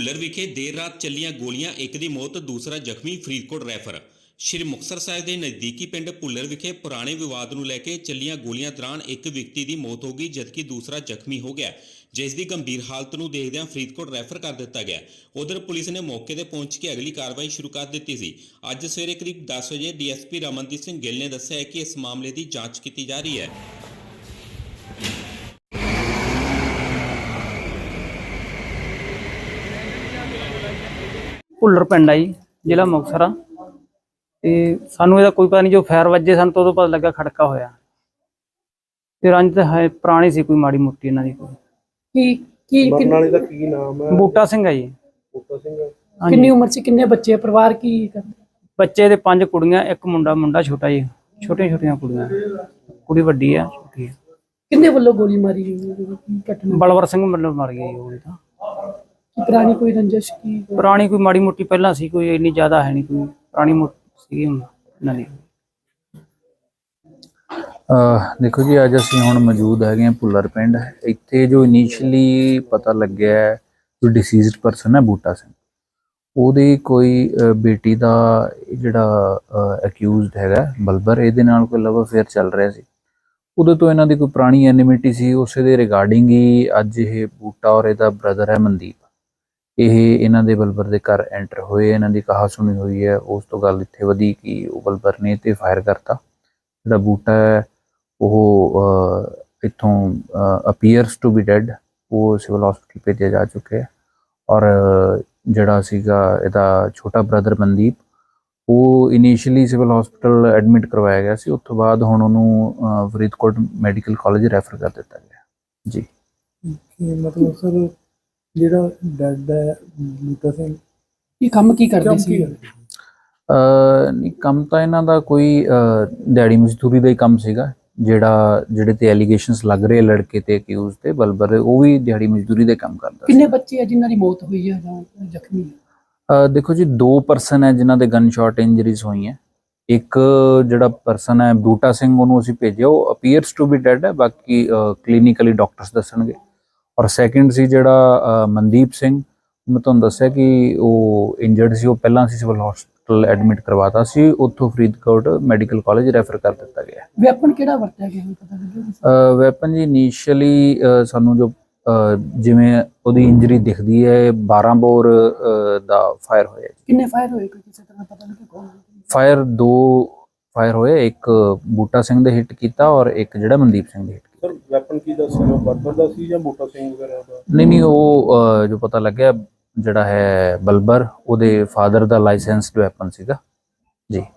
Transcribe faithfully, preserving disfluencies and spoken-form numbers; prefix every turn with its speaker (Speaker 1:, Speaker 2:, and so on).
Speaker 1: ਭੁੱਲਰ ਵਿਖੇ ਦੇਰ ਰਾਤ ਚੱਲੀਆਂ ਗੋਲੀਆਂ, ਇੱਕ ਦੀ ਮੌਤ, ਦੂਸਰਾ ਜ਼ਖਮੀ, ਫਰੀਦਕੋਟ ਰੈਫਰ। ਸ਼੍ਰੀ ਮੁਕਤਸਰ ਸਾਹਿਬ ਦੇ ਨਜ਼ਦੀਕੀ ਪਿੰਡ ਭੁੱਲਰ ਵਿਖੇ ਪੁਰਾਣੇ ਵਿਵਾਦ ਨੂੰ ਲੈ ਕੇ ਚੱਲੀਆਂ ਗੋਲੀਆਂ ਦੌਰਾਨ ਇੱਕ ਵਿਅਕਤੀ ਦੀ ਮੌਤ ਹੋ ਗਈ, ਜਦਕਿ ਦੂਸਰਾ ਜ਼ਖਮੀ ਹੋ ਗਿਆ, ਜਿਸ ਦੀ ਗੰਭੀਰ ਹਾਲਤ ਨੂੰ ਦੇਖਦਿਆਂ ਫਰੀਦਕੋਟ ਰੈਫਰ ਕਰ ਦਿੱਤਾ ਗਿਆ। ਉਧਰ ਪੁਲਿਸ ਨੇ ਮੌਕੇ ਤੇ ਪਹੁੰਚ ਕੇ ਅਗਲੀ ਕਾਰਵਾਈ ਸ਼ੁਰੂ ਕਰ ਦਿੱਤੀ ਸੀ। ਅੱਜ ਸਵੇਰੇ ਕਰੀਬ ਦਸ ਵਜੇ ਡੀਐਸਪੀ ਰਮਨਦੀਪ ਸਿੰਘ ਗਿੱਲ ਨੇ ਦੱਸਿਆ ਕਿ ਇਸ ਮਾਮਲੇ ਦੀ ਜਾਂਚ ਕੀਤੀ ਜਾ ਰਹੀ ਹੈ।
Speaker 2: ਭੁੱਲਰ ਪਿੰਡ ਆ ਜੀ, ਜ਼ਿਲ੍ਹਾ ਮੁਕਤਸਰ ਆ। ਤੇ ਸਾਨੂੰ ਇਹਦਾ ਕੋਈ ਪਤਾ ਨਹੀਂ, ਜੋ ਫਾਇਰ ਵੱਜੇ ਸਾਨੂੰ ਤਾਂ ਉਦੋਂ ਪਤਾ ਲੱਗਾ ਖੜਕਾ ਹੋਇਆ। ਤੇ ਰੰਜ ਤਾਂ ਹੈ ਪੁਰਾਣੀ ਸੀ, ਕੋਈ ਮਾੜੀ ਮੋਟੀ ਇਹਨਾਂ ਦੀ। ਕੋਈ
Speaker 3: ਕੀ ਕੀ
Speaker 4: ਮਰਨ ਵਾਲੇ ਦਾ ਕੀ ਨਾਮ ਹੈ?
Speaker 2: ਬੂਟਾ ਸਿੰਘ ਆ ਜੀ।
Speaker 4: ਬੂਟਾ ਸਿੰਘ।
Speaker 3: ਕਿੰਨੀ ਉਮਰ ਸੀ, ਕਿੰਨੇ ਬੱਚੇ, ਪਰਿਵਾਰ ਕੀ ਕਰਦੇ?
Speaker 2: ਬੱਚੇ ਦੇ ਪੰਜ ਕੁੜੀਆਂ, ਇੱਕ ਮੁੰਡਾ। ਮੁੰਡਾ ਛੋਟਾ ਜੀ, ਛੋਟੀਆਂ ਛੋਟੀਆਂ ਕੁੜੀਆਂ, ਕੁੜੀ ਵੱਡੀ ਆ, ਛੋਟੀ ਆ।
Speaker 3: ਕਿੰਨੇ ਵੱਲੋਂ ਗੋਲੀ ਮਾਰੀ ਗਈ? ਕੀ ਘਟਨਾ?
Speaker 2: ਬਲਵਰ ਸਿੰਘ ਵੱਲੋਂ ਮਾਰ ਗਿਆ ਜੀ ਉਹ ਤਾਂ।
Speaker 3: ਕੀ ਪੁਰਾਣੀ ਕੋਈ ਰੰਜਿਸ਼? ਕੀ
Speaker 2: ਪੁਰਾਣੀ ਕੋਈ ਮਾੜੀ ਮੋਟੀ ਪਹਿਲਾਂ ਸੀ, ਕੋਈ ਇੰਨੀ ਜ਼ਿਆਦਾ ਹੈ ਨਹੀਂ, ਕੋਈ ਪੁਰਾਣੀ ਮੋਟੀ ਸੀ ਇਹਨਾਂ ਦੀ।
Speaker 5: देखो जी, अज असी हुण मौजूद है भुल्लर पिंड। इत्थे जो इनीशियली पता लग्या है जो डिसीज्ड परसन है बूटा सिंह, ਉਹਦੀ कोई बेटी का जिहड़ा अक्यूज्ड हैगा बलबर, ਇਹਦੇ ਨਾਲ कोई लव अफेयर चल रहा सी। उदों तो इन्हां दी कोई पुरानी एनिमिटी सी, उस दे रिगार्डिंग ही अज ये बूटा और इहदा ब्रदर है मनदीप, ਇਹ ਇਹਨਾਂ ਦੇ ਬਲਬਰ ਦੇ ਘਰ ਐਂਟਰ ਹੋਏ। ਇਹਨਾਂ ਦੀ ਕਹਾ ਸੁਣੀ ਹੋਈ ਹੈ। ਉਸ ਤੋਂ ਗੱਲ ਇੱਥੇ ਵਧੀ ਕਿ ਉਹ ਬਲਬਰ ਨੇ ਤੇ ਫਾਇਰ ਕਰਤਾ। ਜਿਹੜਾ ਬੂਟਾ ਹੈ ਉਹ ਇੱਥੋਂ ਅਪੀਅਰਸ ਟੂ ਬੀ ਡੈਡ, ਉਹ ਸਿਵਲ ਹਸਪੀਟਲ ਭੇਜਿਆ ਜਾ ਚੁੱਕਿਆ ਹੈ। ਔਰ ਜਿਹੜਾ ਸੀਗਾ ਇਹਦਾ ਛੋਟਾ ਬ੍ਰਦਰ ਮਨਦੀਪ, ਉਹ ਇਨੀਸ਼ੀਅਲੀ ਸਿਵਲ ਹਸਪੀਟਲ ਐਡਮਿਟ ਕਰਵਾਇਆ ਗਿਆ ਸੀ। ਉਸ ਤੋਂ ਬਾਅਦ ਹੁਣ ਉਹਨੂੰ ਫਰੀਦਕੋਟ ਮੈਡੀਕਲ ਕਾਲਜ ਰੈਫਰ ਕਰ ਦਿੱਤਾ ਗਿਆ ਜੀ।
Speaker 4: ਮਤਲਬ ਸਰ ਜਿਹੜਾ ਡੈਡ ਹੈ ਬੂਟਾ ਸਿੰਘ,
Speaker 3: ਇਹ ਕੰਮ ਕੀ ਕਰਦੇ ਸੀ?
Speaker 5: ਨਹੀਂ, ਕੰਮ ਤਾਂ ਇਹਨਾਂ ਦਾ ਕੋਈ ਦਿਹਾੜੀ ਮਜ਼ਦੂਰੀ ਦਾ ਹੀ ਕੰਮ ਸੀਗਾ। ਜਿਹੜਾ ਜਿਹੜੇ ਤੇ ਐਲੀਗੇਸ਼ਨਸ ਲੱਗ ਰਹੇ ਲੜਕੇ ਤੇ ਅਕਿਊਜ਼ ਤੇ ਬਲਬਰ, ਉਹ ਵੀ ਦਿਹਾੜੀ ਮਜ਼ਦੂਰੀ ਦੇ ਕੰਮ ਕਰਦਾ।
Speaker 3: ਕਿੰਨੇ ਬੱਚੇ ਆ ਜਿਨ੍ਹਾਂ ਦੀ ਮੌਤ ਹੋਈ ਹੈ ਜਾਂ ਜ਼ਖਮੀ?
Speaker 5: ਦੇਖੋ ਜੀ, ਦੋ ਪਰਸਨ ਹੈ ਜਿਨ੍ਹਾਂ ਦੇ ਗਨ ਸ਼ਾਟ ਇੰਜਰੀਜ਼ ਹੋਈਆਂ। ਇੱਕ ਜਿਹੜਾ ਪਰਸਨ ਹੈ ਬੂਟਾ ਸਿੰਘ, ਉਹਨੂੰ ਅਸੀਂ ਭੇਜਿਆ, ਉਹ ਅਪੀਅਰਸ ਟੂ ਬੀ ਡੈਡ ਹੈ, ਬਾਕੀ ਕਲੀਨਿਕਲੀ ਡਾਕਟਰਸ ਦੱਸਣਗੇ। ਔਰ ਸੈਕਿੰਡ ਸੀ ਜਿਹੜਾ ਮਨਦੀਪ ਸਿੰਘ, ਮੈਂ ਤੁਹਾਨੂੰ ਦੱਸਿਆ ਕਿ ਉਹ ਇੰਜਰਡ ਸੀ, ਉਹ ਪਹਿਲਾਂ ਅਸੀਂ ਸਿਵਲ ਹਸਪੀਟਲ ਐਡਮਿਟ ਕਰਵਾਤਾ ਸੀ, ਉੱਥੋਂ ਫਰੀਦਕੋਟ ਮੈਡੀਕਲ ਕਾਲਜ ਰੈਫਰ ਕਰ ਦਿੱਤਾ ਗਿਆ।
Speaker 3: ਵੈਪਨ ਕਿਹੜਾ ਵਰਤਿਆ ਗਿਆ ਪਤਾ ਲੱਗਿਆ?
Speaker 5: ਵੈਪਨ ਜੀ ਇਨੀਸ਼ੀਅਲੀ ਸਾਨੂੰ ਜੋ ਜਿਵੇਂ ਉਹਦੀ ਇੰਜਰੀ ਦਿਖਦੀ ਹੈ, ਬਾਰਾਂ ਬੋਰ ਦਾ ਫਾਇਰ ਹੋਇਆ।
Speaker 3: ਕਿੰਨੇ ਫਾਇਰ ਹੋਏ, ਕੋਈ ਕਿਸੇ ਤਰ੍ਹਾਂ ਪਤਾ ਲੱਗਿਆ ਕੌਣ?
Speaker 5: ਫਾਇਰ ਦੋ ਫਾਇਰ ਹੋਏ, ਇੱਕ ਬੂਟਾ ਸਿੰਘ ਦੇ ਹਿੱਟ ਕੀਤਾ ਔਰ ਇੱਕ ਜਿਹੜਾ ਮਨਦੀਪ ਸਿੰਘ ਦੇ ਹਿੱਟ ਕੀਤਾ।
Speaker 4: ਸਰ ਵੈਪਨ ਕੀ ਦਾ ਸੀਗਾ? ਬਲਬਰ ਦਾ ਸੀ ਜਾਂ ਬੂਟਾ ਸਿੰਘ ਵਗੈਰਾ ਦਾ?
Speaker 5: ਨਹੀਂ ਨਹੀਂ, ਉਹ ਜੋ ਪਤਾ ਲੱਗਿਆ ਜਿਹੜਾ ਹੈ ਬਲਬਰ, ਉਹਦੇ ਫਾਦਰ ਦਾ ਲਾਇਸੈਂਸਡ ਵੈਪਨ ਸੀਗਾ ਜੀ।